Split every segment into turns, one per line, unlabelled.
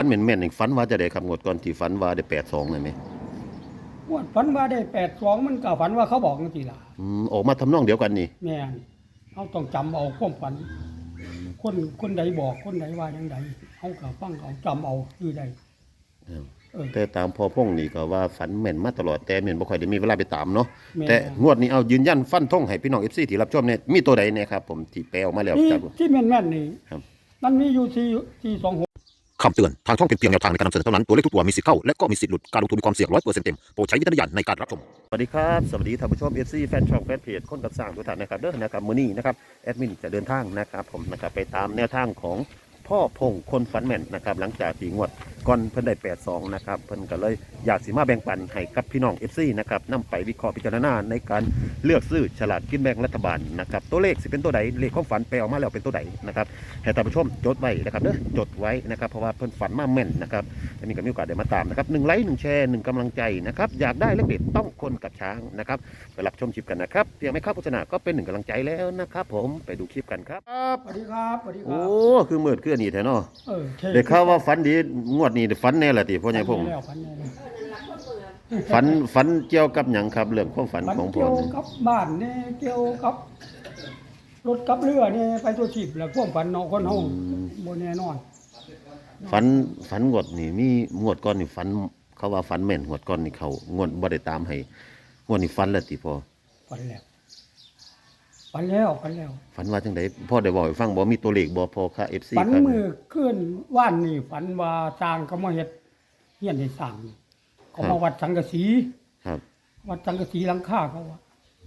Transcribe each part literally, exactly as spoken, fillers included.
ฝันแม่นๆนี่ฝันว่าจะได้ครับงวดก่อนที่ฝันว่าได้แปดสองนั่นไหม
งวดฝันว่าได้แปดสองมันก็ฝันว่าเขาบอกจังซี่ล่ะ
อืมออกมาทำนองเดียวกันนี่
แม่นเฮาต้องจำเอาความฝันคนคนใดบอกคนใดว่าจังไดเฮาก็ฟังเอาจำเอาคือใดเออ
แต่ตามพอพงนี่ก็ว่าฝันแม่นมาตลอดแต่แม่นบ่ค่อยได้มีเวลาไปตามเนาะ
แม่น
แต่งวดนี้เอายืนยันฟันธงให้พี่น้อง เอฟ ซี ที่รับชมเนี่ยมีตัวใดเนี่ยครับผมที่แปลออกมาแล้ว
ที่
จาก
ที่แม่นๆนี่
ครับ
มันมีอยู่ที่ที่สองหก
คำเตือน ทางช่องเป็นเพียงแนวทางในการนำเสนอเท่านั้น ตัวเลขทุกตัวมีสิทธิ์เข้า และก็มีสิทธิ์หลุด การลงทุนมีความเสี่ยงร้อยเปอร์เซ็นต์เต็ม โปรดใช้วิจารณญาณในการรับชม
สวัสดีครับสวัสดีท่านผู้ชม เอฟ ซี แฟนช่องแฟนเพจคนกับสร้างทุกท่านนะครับเด้อนะครับมื้อนี้นะครับแอดมินจะเดินทางนะครับผมนะครับไปตามแนวทางของพ่อพงคนฝันแม่นนะครับหลังจากที่งวดก่อนเพิ่นได้แปดสองนะครับเพิ่นก็เลยอยากสิมาแบ่งปันให้กับพี่น้อง เอฟ ซี นะครับนำไปวิเคราะห์พิจารณาในการเลือกซื้อฉลากกินแบ่งรัฐบาลนะครับตัวเลขสิเป็นตัวใดเลขของฝันไปออกมาแล้วเป็นตัวใดนะครับให้ท่านผู้ชมจดไว้นะครับเด้อจดไว้นะครับเพราะว่าเพิ่นฝันมาแม่นนะครับอันนี้ก็มีโอกาสได้มาตามนะครับหนึ่งไลค์หนึ่งแชร์หนึ่งกำลังใจนะครับอยากได้เลขเด็ดต้องคนกับช้างนะครับไปรับชมคลิปกันนะครับเพียงไม่เข้าโฆษณาก็เป็นหนึ่งกำลังใจแล้วนะครับผมไปดูคลิปกันครับ
สวัสดีครับสวัสดีครั
โอ้
บ
คือมืดคืออันนี้แท้เนาะ
เออท่
ได้ข่าวว่าฝันดีงวดนี้ฝันแน่ละติพ่อใหญ่พงษ์
แล้วฝันแน่แล้ว
ฝันฝันเกี่ยวกับหยังครับเรื่องความฝัน
ฝัน
ของพ่อ
เกี่ยว
นี่
กับบ้านนี่เกี่ยวกับรถกับเรือนี่ไปตัวชีพแล้วความฝันเนาะคนเฮาบ่แน่นอน
ฝันฝันงวดนี่มีงวดก่อนนี่ฝันเขาว่าฝันแม่นงวดก่อนนี่เขางวดบ่ได้ตามให้งวดนี้ฝันแล้วติพ่อ
ฝันแล้วฝันแล้วฝันแล้ว
ฝันว่าจังไดพ่อได้บอกให้ฟังบ่มีตัวเลขบ่พอค่ะ เอฟ ซี
ฝัน
ครับ
มือขึ้นว่านนี่ฝันว่าสร้างเขามาเฮ็ดเฮียนให้สร้างนี่เขามาวัดสังกะสี
ครับ
วัดสังกะสีหลังคาเขาว่า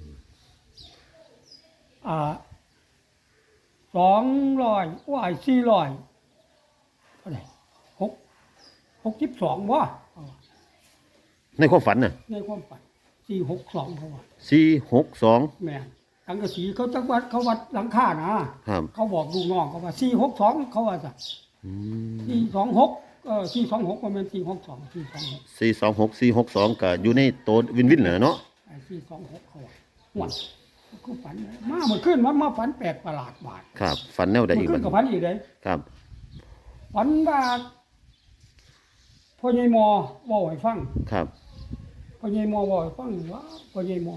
อ่าสองร้อยว่าสี่ร้อยเท่าไหร่หกหกสิบสองว่า
ในความฝันน่ะ
ในความฝันสี่หกสองเขาว่า
สี่หกสอง
แม่นสังกะสีเขาจักวัดเขาวัดหลังคานะครับ เขาบอกลูกน้องเขาว่าสี่หกสองเขาว่าจ้ะ
อืม
สี่สองหกเออสี่สองหกประมาณสี่หกสองสี่สองหก
สี่สองหก สี่หกสองก็อยู่ในโตววินวินเหรอเนาะ
ไอ้สี่สองหกเขาว่าหวดก็ฝันมาเมื่อคืนมันมาฝันแปลกประหลาดบาด
ครับฝันแนวใด
เมื่
อี
อก คื
บั
น
ด
ก็ฝันอีกเลย
ครับ
ฝันว่าพ่อใหญ่หมอเว้าให้ฟัง
ครับ
พ่อใหญ่หมอเว้าให้ฟังว่าพ่อใหญ่หมอ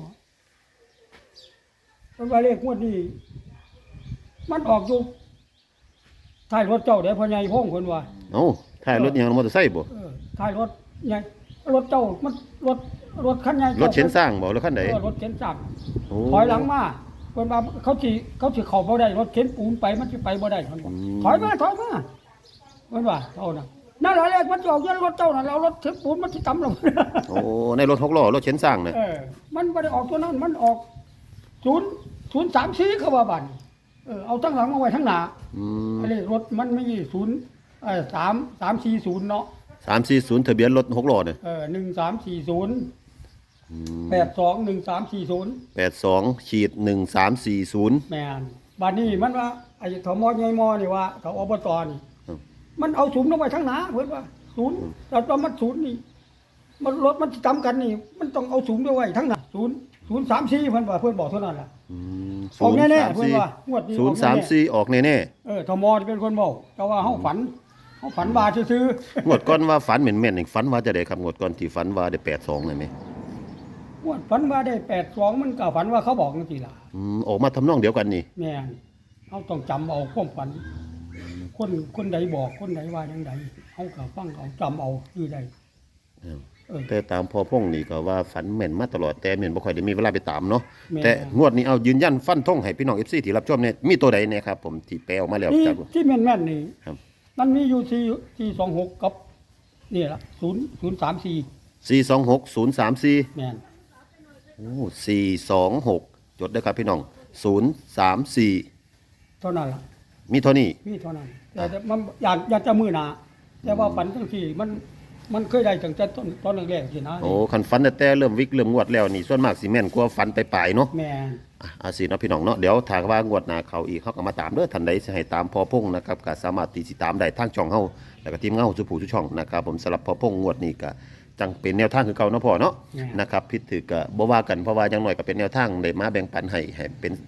เพิ่นว่าเลขงวดนี้มันออกอยู่ท้ายรถเจ้าเด้อพ่อใหญ่พงษ์เพิ่นว่า
เอ้าถ่ายรถยังมอเตอร์ไซค์บ่
เออท้ายรถใหญ่รถเจ้ามันรถรถคันใหญ่
รถเข็นสร้างบ่รถคันใด
เออรถเข็นจักร
โอ้
ถอยหลังมาเพิ่นว่าเขาสิเขาสิเข้าบ่ได้รถเข็นปูนไปมันสิไปบ่ได้เพิ่นว่าถอยมาถอยมาเพิ่นว่าเท่านั้นนั่นแหละเลขมันจะออกอยู่ในรถเจ้านั่นแล้วรถเข็นปูนมันสิต่ำลง
โอ้ในรถหกล้อรถเข็นสร้างน่ะ
เออมันบ่ได้ออกตัวนั้นมันออกศูนย์ศูนย์สามสี่เขาว่าบัดนี้เออเอาทั้งหลังมาไว้ทั้งหน้า
อืม
อันนี้รถมันไม่มีศูนย์เอ่อสามสามสี่ศูนย์เนาะ
สามสี่ศูนย์ทะเบียนรถหกล้อเนี่ย
เออหนึ่งสามสี่ศูนย์
อืม
แปดสองหนึ่งสามสี่ศูนย์
แปดสองขีดหนึ่งสามสี่ศูนย์
แม่นบัดนี้มันว่าไอ้ถมอใหญ่มอนี่ว่าเขาอบตนี่
ครับ
มันเอาศูนย์ลงไปทั้งหนาเพิ่นว่าศูนย์แต่ว่ามันศูนย์นี่มันรถมันสิจำกันนี่ มันต้องเอาศูนย์ไปไว้ทั้งหนาศูนย์ศูนย์สามสี่เพิ่นว่าเพิ่นบอกเท่านั้นล่ะ
อืม
ออกแน่ๆ
ศูนย์สามสี่
เพิ่นว่างวดนี้
ศูนย์
ออกแน่ๆ
สามสี่ออกแน่
เออถมอนี่เป็นคนบอกแต่ว่าเฮาฝันเฮาฝันว่าซื่อ
ๆงวดก่อนว่าฝันเหม็นแม่นๆนี่ฝันว่าจะได้ครับงวดก่อนที่ฝันว่าได้แปดสองเลยไหม
ๆงวดฝันว่าได้แปดสองมันก็ฝันว่าเขาบอกจังซี่ล่ะ
อืมออกมาทำนองเดียวกันนี่
แม่นเฮาต้องจำเอาความฝัน คนคนใดบอกคนใดว่าจังไดเฮาก็ฟังเอาจำเอาคือใด
ครับ
เออ
แต่ตามพอพงนี่ก็ว่าฝันแม่นมาตลอดแต่แม่นบ่ค่อยได้มีเวลาไปตามเนาะ
แม่น
แต่งวดนี้เอายืนยันฟันธงให้พี่น้อง เอฟ ซี ที่รับชมเนี่ยมีตัวใดเนี่ยครับผมที่แปลออกมาแล้ว
ที่
จาก
ที่แม่นๆนี่
ครับ
มันมีอยู่ที่ที่สองหกกับนี่ล่ะศูนย์ศูนย์สามสี่
สี่สองหก ศูนย์สามสี่
แม่น
โอ้สี่สองหกจดได้ครับพี่น้องศูนย์สามสี่
เท่านั้นล่ะ
มีเท่านี้
มีเท่านั้นแต่แต่มันอยากอยากจะมือหนาแต่ว่าฝันจังซี่มันมันเคยได้ตั้งแต่ต้นตอนแรกๆสินะ
โอ้คันฝันแต่แต่เริ่มวิกเริ่มงวดแล้วนี่ส่วนมากสิแม่นกว่าฝันไปปลายๆเนาะ
แม่น
อ่ะอาสิเนาะพี่น้องเนาะเดี๋ยวถ้าว่างวดหน้าเขาอีกเขาก็มาตามเด้อทันใดสิให้ตามพอพงนะครับก็สามารถติดตามได้ทางช่องเฮาแล้วก็ทีมงานเฮาสุผู้ทุกช่องนะครับผมสำหรับพอพงงวดนี้ก็จังเป็นแนวทางคือเก่าเนาะพ่อเนาะนะครับผิดถือก็บ่ว่ากันเพราะว่าอย่างน้อยก็เป็นแนวทางได้มาแบ่งปันให้ให้เป็น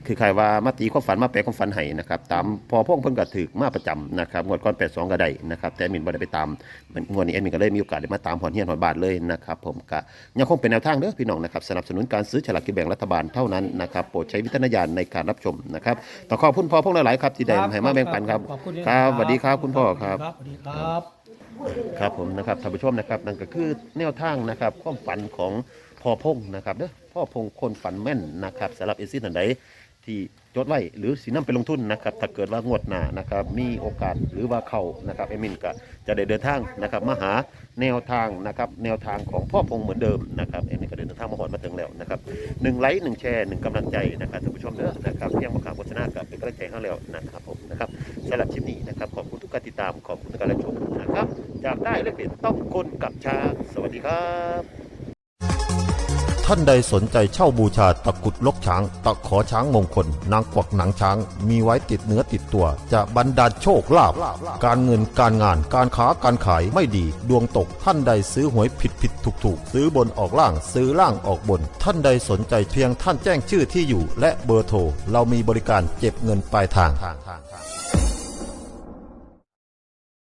คือใครว่ามาตีความฝันมาแปลความฝันให้นะครับตามพอพงเพิ่นก็ถือมาประจำนะครับงวดก่อนแปดสองก็ได้นะครับแต่แอดมินบ่ได้ไปตามงวดนี้แอดมินก็เลยมีโอกาสได้มาตามหอนเฮียนหอนบาทเลยนะครับผมก็ยังคงเป็นแนวทางเด้อพี่น้องนะครับสนับสนุนการซื้อฉลากกินแบ่งรัฐบาลเท่านั้นนะครับโปรดใช้วิจารณญาณในการรับชมนะครับต้องขอบคุณพ่อพงหลายๆครับที่ได้ให้มาแบ่งปันครับ
ขอบคุณ
ครับสวัสดีครับคุณพ่อครับ
สวัสดีครับ
ครับผมนะครับท่านผู้ชมนะครับนั่นก็คือแนวทางนะครับความฝันของพ่อพงนะครับเด้อพ่อพงคนฝันแม่นนะครับสำหรับเอซิสท่านใดที่จดไว้หรือสีน้ำไปลงทุนนะครับถ้าเกิดว่างวดหน้านะครับมีโอกาสหรือว่าเข้านะครับเอมินก็จะได้เดินทางนะครับมาหาแนวทางนะครับแนวทางของพ่อพงเหมือนเดิมนะครับเอมินก็เดินทางมาหอดมาถึงแล้วนะครับหนึ่งไลค์หนึ่งแชร์หนึ่งกำลังใจนะครับท่านผู้ชมเด้อนะครับเพียงมาข่าวโฆษณากับเป็นกำลังใจให้แล้วนะครับผมนะครับสำหรับคลิปนี้นะครับขอบคุณทุกการติดตามขอบคุณทุกการรับชมนะครับจากได้และเป็นต้องคนกับช้างสวัสดีครับ
ท่านใดสนใจเช่าบูชาตะกรุดลกช้าง ตะขอช้างมงคล นางกวักหนังช้าง มีไว้ติดเนื้อติดตัว จะบรรดาลโชคลาภการเงินการงานการค้าการขายไม่ดี ดวงตกท่านใดซื้อหวยผิดผิดถูกถูกซื้อบนออกล่างซื้อล่างออกบน ท่านใดสนใจเพียงท่านแจ้งชื่อที่อยู่ และเบอร์โทรเรามีบริการเก็บเงินปลายทาง